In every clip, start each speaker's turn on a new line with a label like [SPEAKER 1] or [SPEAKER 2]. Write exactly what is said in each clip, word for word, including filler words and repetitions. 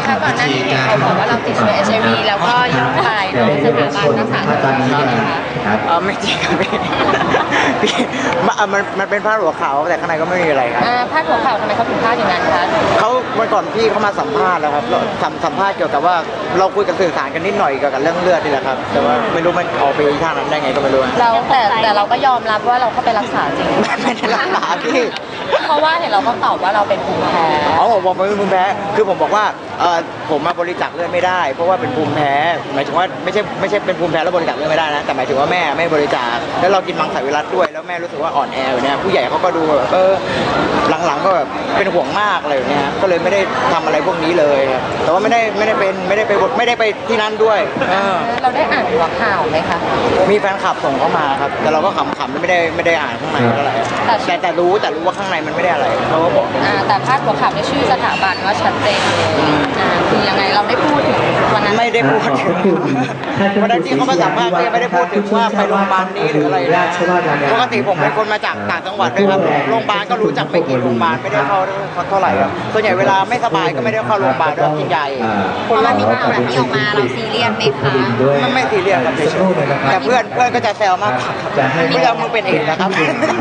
[SPEAKER 1] คะก่อนหน้านี้เขาบอกว่าเราติดเชื้อ เอช ไอ วี แล้วก็ย่องไปโดยสถาบันรักษาตัวจริงไหมคะ
[SPEAKER 2] เออไม่จริงครับพี่พี่มันมันเป็นผ้าหัวขาวแต่ข้างในก็ไม่มีอะไรครับ
[SPEAKER 1] ผ้าหัวขาวทำไมเขาถึงพลาดอย่างนั้นคะ
[SPEAKER 2] เขาเมื่อก่อนพี่เขามาสัมภาษณ์แล้วครับสัมสัมภาษณ์เกี่ยวกับว่าเราคุยกันสื่อสารกันนิดหน่อยเกี่ยวกับเรื่องเลือดนี่แหละครับแต่ว่าไม่รู้มันออกไปอีกทางนั้นได้ไงก็ไม่รู้
[SPEAKER 1] เราแต่แต่เราก็ยอมรับว่าเราเข้าไปรักษาจริง
[SPEAKER 2] ไม่ได้รักษาพี่
[SPEAKER 1] เพราะว่าเห็นเราก็ตอบว่าเราเป็นภูมิแพ้
[SPEAKER 2] อ๋อผมบอกเป็นภูมิแพ้คือผมบอกว่าเออผมมาบริจาคเลือดไม่ได้เพราะว่าเป็นภูมิแพ้หมายถึงว่าไม่ใช่ไม่ใช่เป็นภูมิแพ้แล้วบริจาคเลือดไม่ได้นะแต่หมายถึงว่าแม่ไม่บริจาคแล้วเรากินมังสวิรัติด้วยแล้วแม่รู้สึกว่าอ่อนแออยู่เนี่ยผู้ใหญ่เขาก็ดูแบบเออหลังๆก็แบบเป็นห่วงมากอะไรอย่างเงี้ยก็เลยไม่ได้ทำอะไรพวกนี้เลยแต่ว่าไม่ได้ไม่ได้เป็นไม่ได้ไปไม่ได้ไปที่นั่นด้วย
[SPEAKER 1] เราได้อ่านหัวข่าวไหมคะ
[SPEAKER 2] มีแฟนคลับส่งเข้ามาครับแต่เราก็ขำๆไม่ได้ไม่ได้อ่านข้างในเท่าไหร่แต่แต่รู้แต่รู้ว่าข้างในมันไม่ได้อะไรเขาก็บอก
[SPEAKER 1] แต่พาดหัวข่าวในชื่อสถาบันว่าชัดเจนคือยังไงเราได้พูดถึงวันนั้น
[SPEAKER 2] ไม่ได้พูดถึงวันนั้นที่เขามาสัมภาษณ์ก็ยังไม่ได้พูดถึงว่าไปโรงพยาบาลนี้หรืออะไรนะปกติผมเป็นคนมาจากต่างจังหวัดด้วยครับโรงพยาบาลก็รู้จักไม่กี่โรงพยาบาลไม่ได้เข้าเท่าไหร่ครับส่วนใหญ่เวลาไม่สบายก็ไม่ได้เข้าโรงพยาบาลด้วยกินยา
[SPEAKER 1] พอมันมีข่าวแบบนี้ออกมาเราซีเรียสไหมคะ
[SPEAKER 2] มันไม่ซีเรียสครับแต่เพื่อนเพื่อนก็จะแซวมากเพื่อนมึงเป็นเอกนะครับ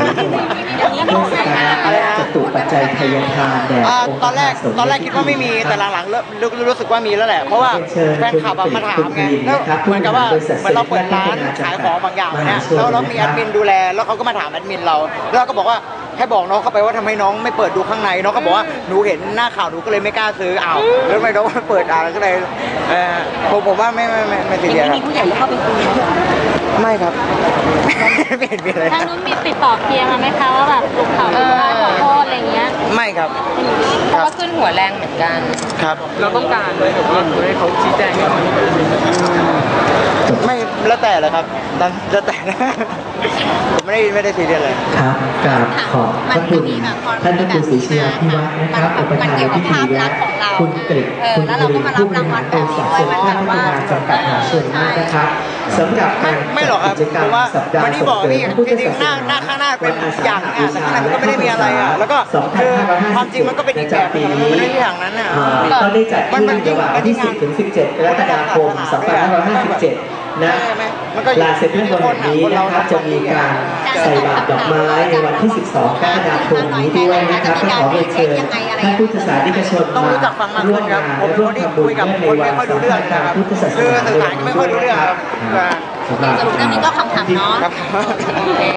[SPEAKER 3] จตุปัจจัยทายทานแด่
[SPEAKER 2] ตอนแรกตอนแรกคิดว่าไม่มีแต่หลังๆเริ่มรู้สึกว่ามีแล้วแหละเพราะว่าแฟนคลับมาถามไงแล้วเหมือนกับว่าเหมือนเราเปิดร้านขายของบางอย่างเนี่ยแล้วเรามีแอดมินดูแลแล้วเขาก็มาถามแอดมินเราแล้วเราก็บอกว่าให้บอกน้องเข้าไปว่าทำไมน้องไม่เปิดดูข้างในน้องก็บอกว่าหนูเห็นหน้าข่าวหนูก็เลยไม่กล้าซื้ออ้าวแล้วทำไมน้องไม่เปิดอ่านก็เลยผมผมว่าไม่ไม่ไม่ไม่ติดเดียวครับ
[SPEAKER 1] มีผู้ใหญ่เข้าไปคุย
[SPEAKER 2] ไม่ครับไม่เห็นมีอะไร
[SPEAKER 1] ทางนู้นมีติดต่อเคลียร์มาไหมคะว่าแบบถูกข่าวขอโทษอะไรเงี้ย
[SPEAKER 2] ไม่ครับ
[SPEAKER 1] เพราะว่าขึ้นหัวแรงเหมือนกัน
[SPEAKER 2] ครับ
[SPEAKER 4] เราต้องการเลยแบบว่าให้เขาชี้แจงให้มัน
[SPEAKER 2] ไม่แล้วแต่เลยครับแล้วแต่ผมไม่ได้ไม่ได้ซีเรียสเลย
[SPEAKER 3] ครับกราบขอบพระคุณท่านพระครูศรีชยาภิวัฒน์นะครับอุปถัมภ์พิธีและคุณกฤษคุณกฤษผู้บริหารบริษัทเซ็นทรัลพัฒนาจำกัดมหาชนนะครับสำหรับการ
[SPEAKER 2] ไม่หรอกครับเพราะว่าวันนี้บอกพี่จริงๆหน้าหน้าข้างหน้าเป็นอย่างอ่ะแต่ข้างในมันก็ไม่ได้มีอะไรอ่ะแล้วก็คือความจริงมันก็เป็นอีกแบบนึงมันไม่ใช่อย่างนั้นอ่ะ
[SPEAKER 3] ก็ได้จัดขึ้นระหว่างวันที่สิบถึงสิบเจ็ดกรกฎาคมสองพันห้าร้อยห้าสิบเจ็ดนะลานเซ็นทรัลเวิลด์แห่งนี้นะครับจะมีการใส่บาตรดอกไม้ในวันที่สิบสองกรกฎาคมนี้ด้วยนะครับก็ขอเรียนเชิญท่านพุทธศาสนิกชนมาร่วมงานและร่วมทำบุญในวันสำคัญทางพุทธศาสนา
[SPEAKER 2] คือสื่อสารไม่ค่อยรู้เรื่องครับ
[SPEAKER 1] สรุปเรื่องนี้ก็คำถามเนาะ